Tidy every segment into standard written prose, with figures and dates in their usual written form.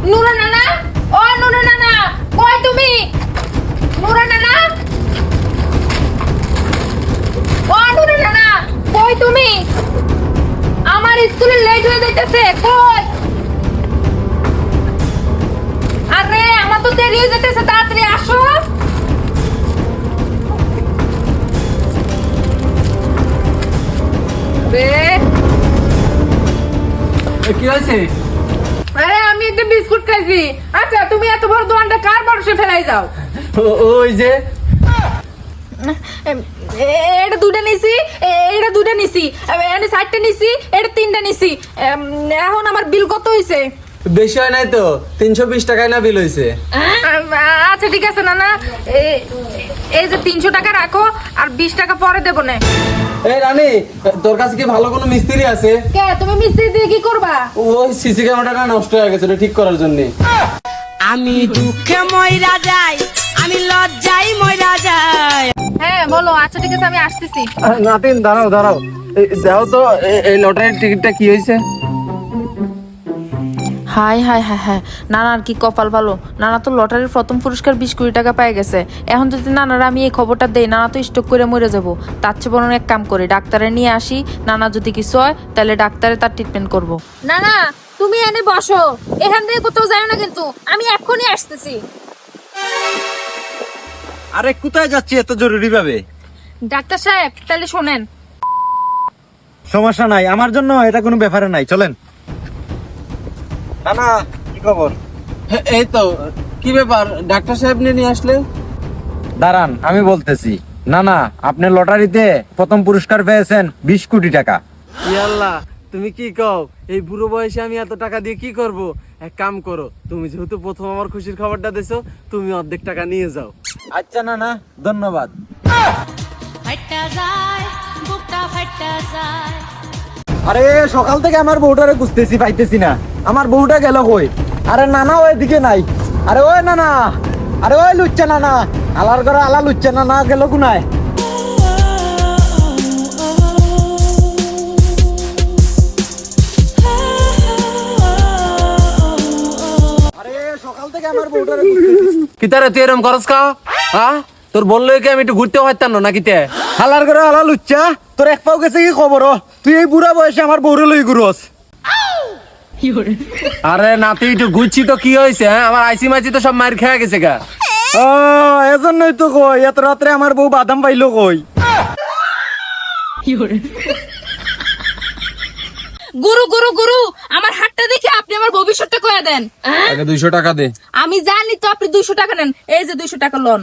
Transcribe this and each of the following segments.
নুরা নানা, ও নুরা নানা, কই তুমি? নুরা নানা, ও নুরা নানা, কই তুমি? আমার স্কুলে লেট হয়ে যাইতেছে, কই? আরে আমার তো দেরি হয়ে যাইতেছে, তাড়াতাড়ি আসো। কি হয়েছে? আরে আমি একটা বিস্কুট খাইছি। আচ্ছা তুমি এত বড় দোকানটা কার ভরসা ফেলাই যাও? ওই যে এটা দুটা নিছি, এটা দুটা নিছি, এটা চারটা নিছি, এটা তিনটা নিছি। এখন আমার বিল কত হইছে? বেশি হয় নাই তো, 320 টাকায় না বিল হয়েছে। আচ্ছা ঠিক আছে নানা, এই যে 300 টাকা রাখো, আর 20 টাকা পরে দেবো না। এই রানী, তোর কাছে কি ভালো কোনো মিস্ত্রি আছে? কে তুমি মিস্ত্রি দিয়ে কি করবা? ওই সিসি ক্যামেরাটা নষ্ট হয়ে গেছে, ওটা ঠিক করার জন্য। আমি দুঃখে মইরা যাই, আমি লজ্জায় মইরা যাই। হ্যাঁ বলো। আচ্ছা ঠিক আছে, আমি আসতেছি। নাতিন দাঁড়াও দাঁড়াও, দাও তো এই লটারির টিকিটটা কি হয়েছে? হাই হাই হাই হাই, নানার কি কপাল ভালো। নানা তো লটারির প্রথম পুরস্কার 20 কোটি টাকা পেয়ে গেছে। এখন যদি নানার আমি এই খবরটা দেই, নানা তো স্টক করে মরে যাবো। তার চেয়ে বরং এক কাম করি, ডাক্তারে নিয়ে আসি। নানা যদি কিছু হয় তাহলে ডাক্তারে তার ট্রিটমেন্ট করবো। নানা তুমি এনে বসো, এখান থেকে কোথাও যাও না কিন্তু, আমি এক্ষুনি আসতেছি। আরে কোথায় যাচ্ছি এত জরুরি ভাবে? ডাক্তার সাহেব তাহলে শোনেন। সমস্যা নাই, আমার জন্য এটা কোনো ব্যাপারে নাই, চলেন। না কি খবর? এই তো, কি ব্যাপার ডাক্তার সাহেব নিয়ে আসলে? দাঁড়ান আমি বলতেছি। না না, আপনি লটারিতে প্রথম পুরস্কার পেয়েছেন 20 কোটি টাকা। ইয়াল্লাহ, তুমি কি কও? এই বুড়ো বয়সে আমি এত টাকা দিয়ে কি করব? এক কাম করো, তুমি যেহেতু প্রথম আমার খুশির খবরটা দিছো, তুমি অর্ধেক টাকা নিয়ে যাও। আচ্ছা না না, ধন্যবাদ। ফাইটা যায়, বুকটা ফাইটা যায়। আরে সকাল থেকে আমার বউটারে খুঁজতেছি, পাইতেছি না। আমার বউটা গেল কই? আরে নানা ওই দিকে নাই। আরে ওই নানা, আরে ওই লুচ্চা নানা, আলার ঘরে আলা লুচ্চা নানা গেল কোনায়? আরে সকাল থেকে আমার বউটারে খুঁজতেছি। কি তারে তুই এরকম করস কা? হ্যাঁ, তোর বললো কি আমি একটু ঘুরতে পারতাম না নাকি? হালার ঘরে আলা লুচ্চা, তোর এক পাও গেছে কি খবর? তুই এই বুড়া বয়সে আমার বউরে লই ঘুরস? আরে নাতি একটু ঘুরছি তো কি হয়েছে? হ্যাঁ, আমার আইসি মাইসি তো সব মার খেয়ে গেছে গা। ও এজন্যই তো কই, এত রাত্রে আমার বউ বাদাম পাইলো কই? গুরু গুরু গুরু, আমার হাতটা দেখে আপনি আমার ভবিষ্যৎটা কয়ে দেন। আগে 200 টাকা দে। আমি জানি তো আপনি 200 টাকা নেন, এই যে 200 টাকা লোন।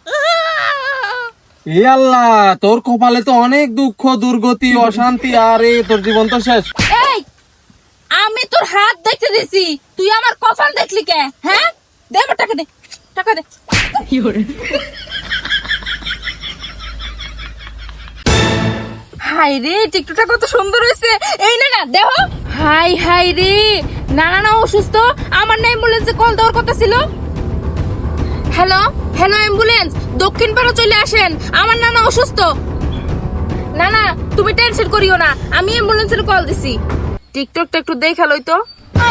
এ আল্লাহ, তোর কপালে তো অনেক দুঃখ, দুর্গতি, অশান্তি, আরে তোর জীবন তো শেষ। এই আমি তোর হাত দেখতে দিছি, তুই আমার কপাল দেখলি কে? হ্যাঁ দে আমার টাকা, দে টাকা দে। হাই রে, টিকটকটা কত সুন্দর হয়েছে। এই না না দেখো, হাই হাই রে, নানা না অসুস্থ, আমার না অ্যাম্বুলেন্সে কল দেওয়ার কথা ছিল। হ্যালো হ্যালো অ্যাম্বুলেন্স, দক্ষিণ পাড়া চলে আসেন, আমার নানা অসুস্থ। না না তুমি টেনশন করিও না, আমি অ্যাম্বুলেন্সের কল দিছি। টিকটকটা একটু দেখা লই তো।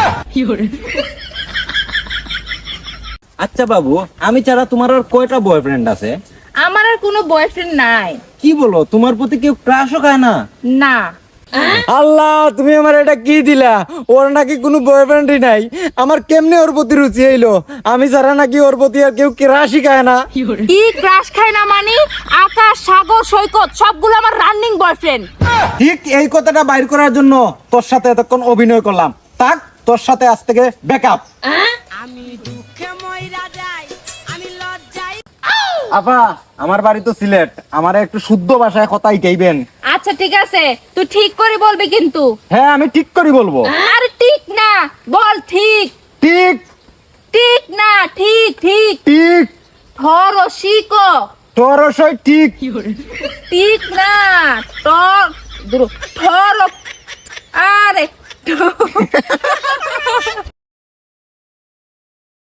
আচ্ছা বাবু, আমি ছাড়া তোমার আর কয়টা বয়ফ্রেন্ড আছে? আমার আর কোনো বয়ফ্রেন্ড নাই। কি বলো, তোমার প্রতি কেউ ক্রাশও খায় না? না। আল্লাহ, তুমি আমার এটা কি দিলা? ওর নাকি কোনো বয়ফ্রেন্ডই নাই। আমার কেমনে ওর প্রতি রুচি হইলো? আমি ছাড়া নাকি ওর প্রতি আর কেউ ক্রাশই খায় না? কি ক্রাশ খায় না মানে? আকাশ, সাগর, সৈকত সবগুলো আমার রানিং বয়ফ্রেন্ড। ঠিক এই কথাটা বাইর করার জন্য তোর সাথে এতক্ষণ অভিনয় করলাম। তাক, তোর সাথে আজ থেকে ব্যাকআপ। আমি দুঃখে মইরা যাই, আমি লজ্জায়। আপা, আমার বাড়ি তো সিলেট, আমার একটু শুদ্ধ ভাষায় কথা ইটাইবেন। আচ্ছা ঠিক আছে, তুই ঠিক করে বলবি কিন্তু। হ্যাঁ, আমি ঠিক করে বলবো। আরে ঠিক না, বল ঠিক। ঠিক ঠিক না, ঠিক ঠিক। ঠিক ধর ও শিকো। তোর সই ঠিক। ঠিক না, টর ধর। আরে